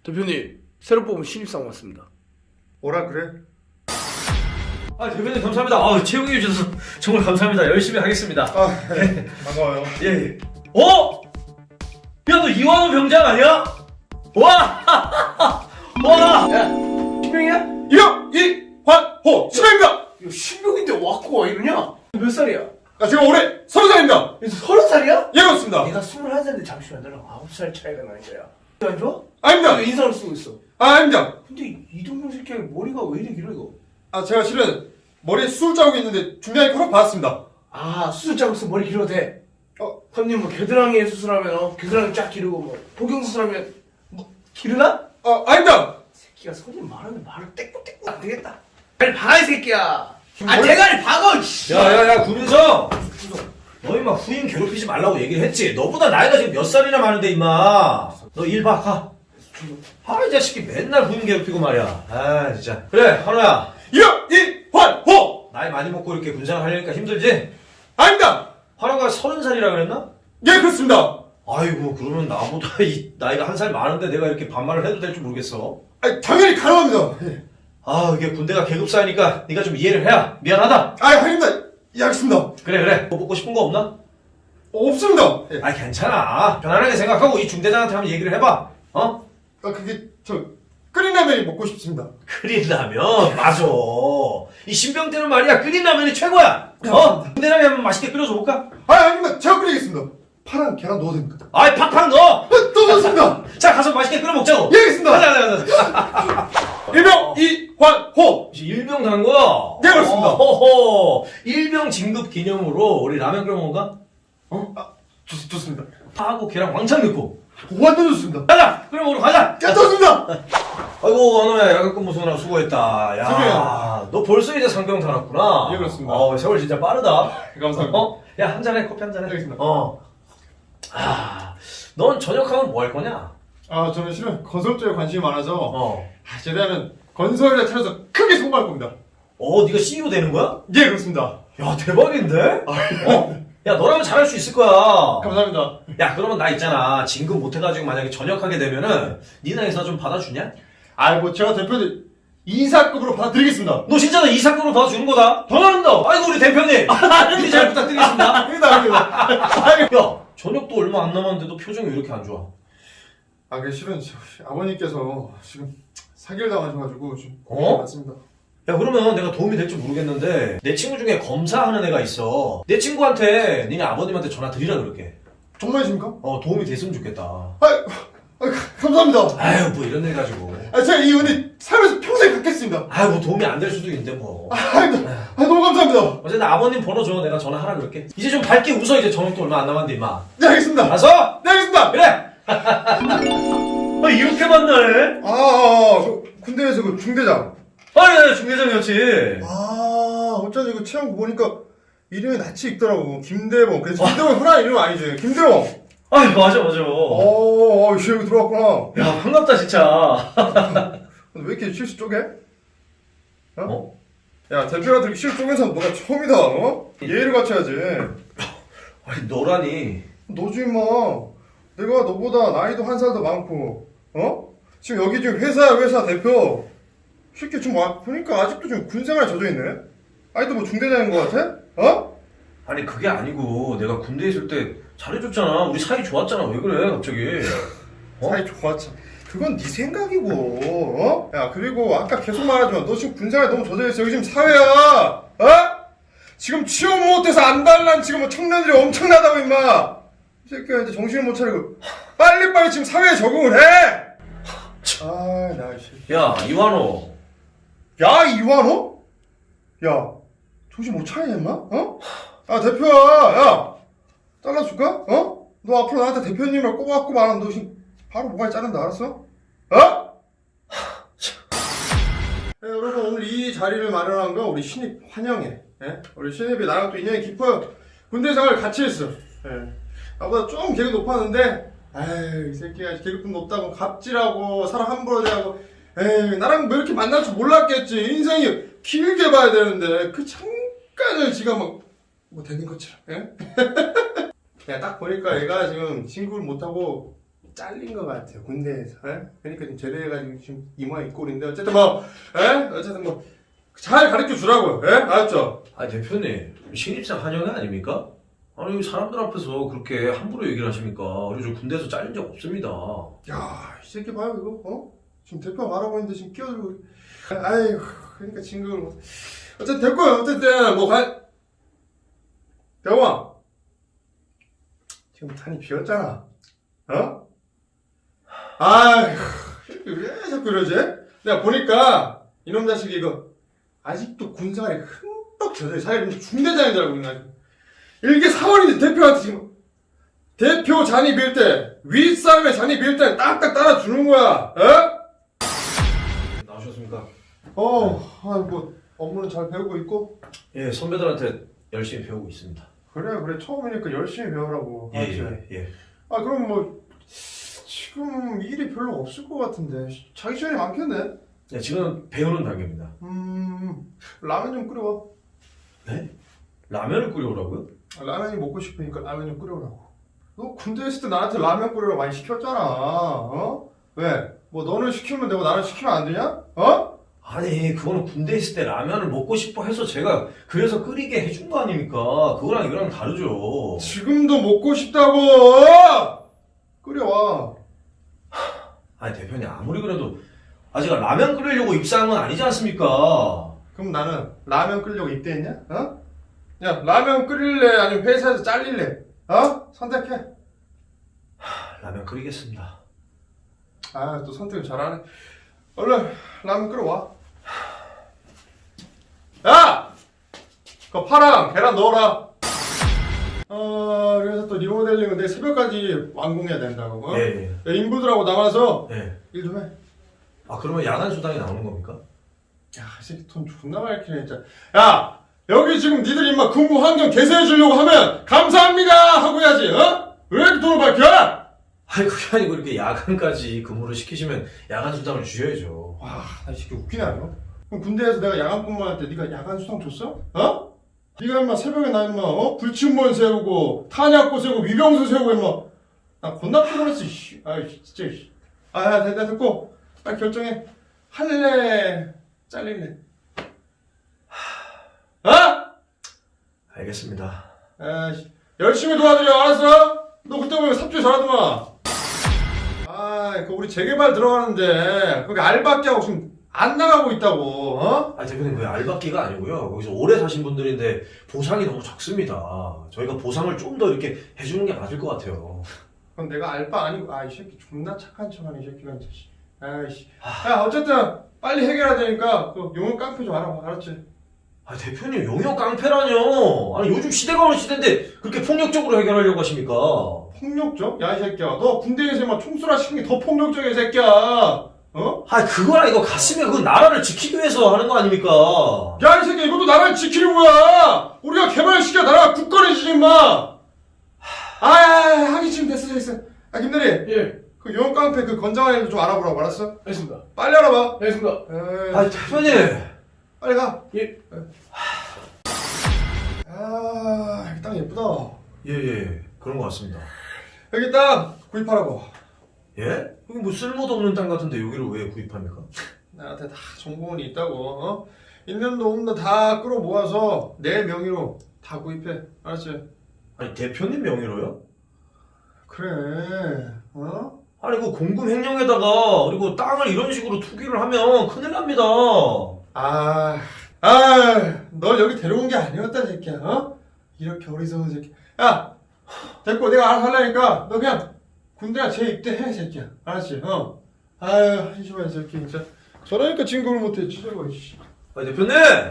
대표님, 새로 뽑은 신입사원 왔습니다. 뭐라 그래? 아, 대표님 감사합니다. 아, 채용해 주셔서 정말 감사합니다. 열심히 하겠습니다. 네. 반가워요. 예, 예. 어? 야, 너 이완호 병장 아니야? 와! 와! 야, 신병이야? 이환호 신병입니다. 야, 신병인데 왔고 와 이러냐? 몇 살이야? 제가 올해 30살입니다. 그래서 30살이야? 예 그렇습니다. 내가 21살인데 잠시만 너랑 9살 차이가 나는 거야. 안 좋아? 아닙니다. 왜 인상을 쓰고 있어? 아닙니다. 근데 이동영 새끼 머리가 왜 이래 길어 이거? 제가 실은 머리에 수술 자국이 있는데 중량이 허락 받았습니다. 아, 수술 자국 있으면 머리 길어도 돼? 어. 형님 뭐 겨드랑이 수술하면 겨드랑이 쫙 기르고 뭐 복용 수술하면 뭐 기르나? 아닙니다. 새끼가 손이 많은데 말을 떼꾸떼꾸 안 되겠다. 빨리 박아 이 새끼야. 아 머리- 대가리 박아. 씨. 야, 구민성! 너 임마 후임 괴롭히지 말라고 얘기를 했지. 너보다 나이가 지금 몇 살이나 많은데 임마. 너 일 봐, 가. 아, 이 자식이 맨날 후임 괴롭히고 말이야. 아, 진짜. 그래, 한호야. 이환호 나이 많이 먹고 이렇게 군생활 하려니까 힘들지? 아닙니다. 한호가 30살이라 그랬나? 예 그렇습니다. 아이고, 그러면 나보다 이 나이가 한 살 많은데 내가 이렇게 반말을 해도 될지 모르겠어. 당연히 가능합니다. 아, 이게 군대가 계급사니까 네가 좀 이해를 해야. 미안하다. 아닙니다. 예 알겠습니다. 그래. 뭐 먹고 싶은 거 없나? 없습니다. 예. 아, 괜찮아. 편안하게 생각하고 이 중대장한테 한번 얘기를 해봐. 어? 그게 끓인 라면이 먹고 싶습니다. 끓인 라면? 맞아. 이 신병 때는 말이야, 끓인 라면이 최고야. 어? 군대라면 한번 맛있게 끓여줘 볼까? 아닙니다. 제가 끓이겠습니다. 파랑 계란 넣어도 됩니까? 아이, 팍팍 넣어. 또 넣습니다. 자, 가서 맛있게 끓여 먹자고. 예 알겠습니다. 가자. 일명 이환호 일병 단 거야? 네, 그렇습니다. 호호. 일병 진급 기념으로 우리 라면 끓여 먹을까? 좋습니다. 파하고 계란 왕창 넣고. 완전 좋습니다. 가자! 끓여 먹으러 가자! 좋습니다. 아이고, 원호야, 야간 근무 수고나 수고했다. 야, 선배야. 너 벌써 이제 상병 달았구나. 예, 그렇습니다. 세월 진짜 빠르다. 감사합니다. 야, 한 잔해, 커피 한 잔해. 알겠습니다. 넌 저녁하면 뭐 할 거냐? 저는 실은 건설 쪽에 관심이 많아서 제대하면 건설이라 차려서 크게 성공할 겁니다. 네가 CEO 되는 거야? 예 그렇습니다. 야, 대박인데? 야, 너라면 잘할 수 있을 거야. 감사합니다. 야, 그러면 나 있잖아. 진급 못해가지고 만약에 전역하게 되면은 니나 회사 좀 받아주냐? 제가 대표님 이사급으로 받아드리겠습니다. 너 진짜 나 이사건으로 받아주는 거다? 당연합니다. 아이고, 우리 대표님. 일잘 부탁드리겠습니다. 아닙니다. 야, 저녁도 얼마 안 남았는데도 표정이 왜 이렇게 안 좋아? 그 실은 아버님께서 지금 사기를 당하셔가지고 좀 어? 맞습니다. 야, 그러면 내가 도움이 될지 모르겠는데 내 친구 중에 검사하는 애가 있어. 내 친구한테 니네 아버님한테 전화 드리라 그럴게. 정말이십니까? 도움이 됐으면 좋겠다. 감사합니다. 아유, 뭐 이런 일 가지고. 제가 이 은혜 살면서 평생 갖겠습니다. 아유, 뭐 도움이 안 될 수도 있는데 뭐. 너무 감사합니다. 어쨌든 아버님 번호 줘. 내가 전화하라 그럴게. 이제 좀 밝게 웃어. 이제 저녁도 얼마 안 남았는데 임마. 네 알겠습니다. 알았어? 네 알겠습니다. 그래. 이렇게 만나네. 군대에서 그 중대장. 네, 중대장이었지. 어쩐지 그 체험 보니까 이름이 낯이 익더라고. 김대범. 그래서 김대범 흔한 이름 아니지. 김대범. 맞아. 여기 들어왔구나. 야, 반갑다 진짜. 왜 이렇게 실수 쪼개? 어? 야, 대표한테 실수 쪼갠 사람 너가 처음이다, 예의를 갖춰야지. 아니, 너라니. 너지, 임마. 내가 너보다 나이도 한 살 더 많고, 지금 여기 지금 회사 대표. 쉽게 좀 보니까 아직도 좀 군생활에 젖어있네? 아직도 뭐 중대장인 것 같아? 아니, 그게 아니고 내가 군대에 있을 때 잘해줬잖아. 우리 사이 좋았잖아. 왜 그래 갑자기? 사이 좋았지. 그건 네 생각이고, 야, 그리고 아까 계속 말하지만 너 지금 군생활에 너무 젖어있어. 여기 지금 사회야, 지금 취업 못해서 안달난 지금 뭐 청년들이 엄청나다고, 임마. 이 새끼가 이제 정신을 못 차리고 빨리빨리 지금 사회에 적응을 해. 나 씨. 야, 이완호. 야, 이완호? 야, 정신 못 차리냐, 임마? 대표야, 야, 잘라줄까? 너 앞으로 나한테 대표님을 꼬박꼬박 안 하면 너 지금 바로 모가지 자른다, 알았어? 여러분, 오늘 이 자리를 마련한 거 우리 신입 환영해. 우리 신입이 나랑 또 인연이 깊어요. 군대 생활 같이 했어. 나보다 좀 계급 높았는데, 이 새끼가 계급도 높다고 갑질하고 사람 함부로 대하고, 나랑 뭐 이렇게 만날 줄 몰랐겠지. 인생이 길게 봐야 되는데 그 잠깐을 지가 뭐 되는 것처럼. 야, 딱 보니까 얘가 지금 친구를 못하고 잘린 것 같아요 군대에서. 에? 그러니까 지금 제대해가지고 지금 이 모양 이 꼴인데 어쨌든 뭐 어쨌든 뭐 잘 가르쳐 주라고요. 에? 알았죠? 아 대표님 신입생 환영회 아닙니까? 아니 사람들 앞에서 그렇게 함부로 얘기를 하십니까? 그리고 저 군대에서 잘린 적 없습니다. 야, 이 새끼 봐요 이거. 지금 대표 말하고 있는데 지금 끼어들고. 아이고, 그러니까 징그러워. 뭐. 어쨌든 됐고요. 어쨌든 뭐 대웅아, 지금 탄이 비었잖아. 아이고, 왜 자꾸 이러지? 내가 보니까 이놈 자식이 이거 아직도 군생활에 흠뻑 젖어. 자기가 중대장인 줄 알고 있나? 이게 사원인데 대표한테 지금 대표 잔이 빌 때 윗사람의 잔이 빌 때 딱딱 따라주는 거야. 나오셨습니까? 뭐 업무는 잘 배우고 있고. 예, 선배들한테 열심히 배우고 있습니다. 그래 처음이니까 열심히 배우라고. 예. 그럼 뭐 지금 일이 별로 없을 것 같은데 자기 시간이 많겠네. 예, 지금 배우는 단계입니다. 라면 좀 끓여와. 네? 라면을 끓여오라고요? 라면이 먹고 싶으니까 라면 좀 끓여오라고. 너 군대 있을 때 나한테 라면 끓여라 많이 시켰잖아. 왜? 뭐 너는 시키면 되고 나는 시키면 안 되냐? 아니 그거는 군대 있을 때 라면을 먹고 싶어 해서 제가 그래서 끓이게 해준 거 아닙니까? 그거랑 이거랑 다르죠. 지금도 먹고 싶다고. 끓여와. 아니 대표님 아무리 그래도 제가 라면 끓이려고 입사한 건 아니지 않습니까? 그럼 나는 라면 끓이려고 입대했냐? 야 라면 끓일래 아니면 회사에서 잘릴래? 선택해. 라면 끓이겠습니다. 또 선택을 잘하네. 얼른 라면 끓여와. 야! 그거 파랑 계란 넣어라. 그래서 또 리모델링은 내일 새벽까지 완공해야 된다고. 예. 야, 인부들하고 남아서 예. 일 좀 해. 그러면 야간 수당이 나오는 겁니까? 야, 이 새끼 돈 존나 많이 키네 진짜. 야! 여기 지금 니들 임마 근무 환경 개선해 주려고 하면 감사합니다 하고 해야지. 왜 이렇게 돈을 밝혀? 아니 그게 아니고 이렇게 야간까지 근무를 시키시면 야간 수당을 주셔야죠. 와, 나 이 새끼 웃기네 아니요? 그럼 군대에서 내가 야간 근무할 때 네가 야간 수당 줬어? 네가 임마 새벽에 나 임마 불침번 세우고 탄약고 세우고 위병수 세우고 임마 나 겁나 피곤했어. 진짜. 됐다 됐고 빨리 결정해. 할래 잘릴래? 알겠습니다. 열심히 도와드려. 알았어? 너 그때 보면 삽질 잘하더만. 그 우리 재개발 들어가는데 거기 알바끼하고 지금 안 나가고 있다고. 대표님 그게 알바끼가 아니고요. 거기서 오래 사신 분들인데 보상이 너무 적습니다. 저희가 보상을 좀 더 이렇게 해주는 게 맞을 것 같아요. 그럼 내가 알바 아니고 이 새끼 존나 착한 척하네 이 새끼가 진짜. 야 어쨌든 빨리 해결해야 되니까 그 용역 깡패 좀 알아봐. 알았지? 대표님 용역 깡패라뇨. 아니 요즘 시대가 어느 시대인데 그렇게 폭력적으로 해결하려고 하십니까? 폭력적? 야 이 새끼야 너 군대에서 막 총수라 시킨 게 더 폭력적이야 이 새끼야. 그거랑 이거 같으면 그건 나라를 지키기 위해서 하는 거 아닙니까? 야 이 새끼야 이것도 나라를 지키는 거야. 우리가 개발시켜 나라가 굳건해지지 임마. 하기 지금 됐어. 김대리. 예. 그 용역 깡패 그 건장한 애들 좀 알아보라고. 알았어? 알겠습니다. 빨리 알아봐. 알겠습니다. 대표님. 빨리 가. 예. 이 땅 예쁘다. 예. 그런 것 같습니다. 여기 땅 구입하라고. 예? 여기 뭐 쓸모도 없는 땅 같은데 여기를 왜 구입합니까? 나한테 다 정보원이 있다고. 있는 돈 없는 돈 다 끌어 모아서 내 명의로 다 구입해. 알았지? 대표님 명의로요? 그래. 그 공금 횡령에다가 그리고 땅을 이런 식으로 투기를 하면 큰일 납니다. 널 여기 데려온 게 아니었다, 이 새끼야. 이렇게 어리석은 새끼. 야, 됐고, 내가 알아서 하려니까, 너 그냥 군대나 재입대해, 새끼야. 알았지? 한심한 새끼, 진짜. 저러니까 진급을 못해, 찢어버, 씨. 대표님!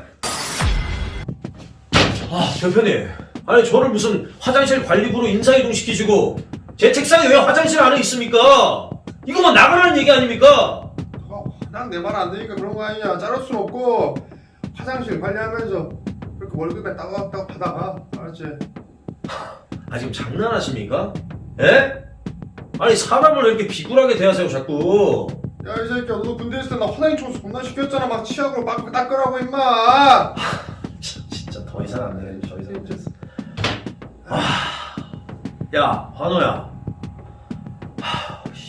대표님. 저를 무슨 화장실 관리부로 인사이동 시키시고, 제 책상에 왜 화장실 안에 있습니까? 이거만 나가라는 얘기 아닙니까? 난 내 말 안 되니까 그런 거 아니냐. 자를 순 없고, 화장실 관리하면서 그렇게 월급에 따박따박 받아가. 알았지? 지금 장난하십니까? 예? 사람을 왜 이렇게 비굴하게 대하세요, 자꾸. 야, 이 새끼야, 너 군대 있을 때 나 화장실 청소 겁나 시켰잖아. 막 치약으로 막 닦으라고, 임마. 진짜 더 이상 안 되네. 더 이상 못했어. 야, 환호야.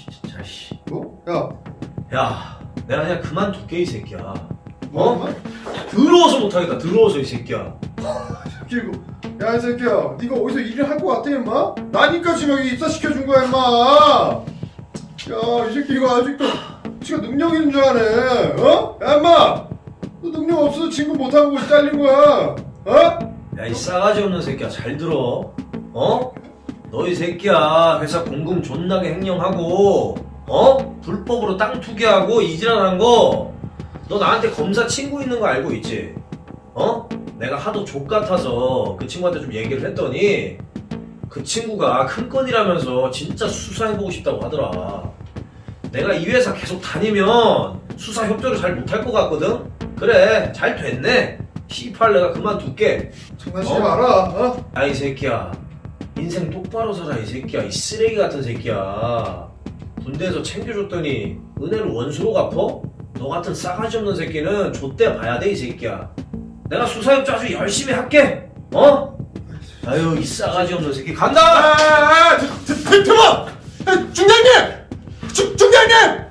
야, 야, 내가 그냥 그만둘게 이 새끼야. 뭐? 더러워서 못하겠다. 더러워서 이 새끼야. 그리고 야, 이 새끼야, 네가 어디서 일을 할 것 같아, 임마? 나니까 지금 여기 입사시켜준 거야, 임마. 야, 이 새끼 이거 아직도 지가 능력 있는 줄 아네. 어? 야, 임마, 너 능력 없어서 진급 못하고 잘린 거야. 어? 야, 이 싸가지 없는 새끼야. 잘 들어. 어? 너 이 새끼야. 회사 공금 존나게 횡령하고, 어? 불법으로 땅 투기하고 이지랄한 거. 너 나한테 검사 친구 있는 거 알고 있지? 어? 내가 하도 족같아서 그 친구한테 좀 얘기를 했더니 그 친구가 큰 건이라면서 진짜 수사해보고 싶다고 하더라. 내가 이 회사 계속 다니면 수사 협조를 잘 못할 것 같거든? 그래, 잘 됐네. 시팔 내가 그만둘게. 장난치지 마라. 어? 야, 이 새끼야. 인생 똑바로 살아, 이 새끼야. 이 쓰레기 같은 새끼야. 군대에서 챙겨줬더니 은혜를 원수로 갚어? 너 같은 싸가지 없는 새끼는 좆대 봐야 돼, 이 새끼야. 내가 수사협조 아주 열심히 할게. 어? 아유, 이 싸가지 없는 새끼 간다! 대박! 중장님! 중장님!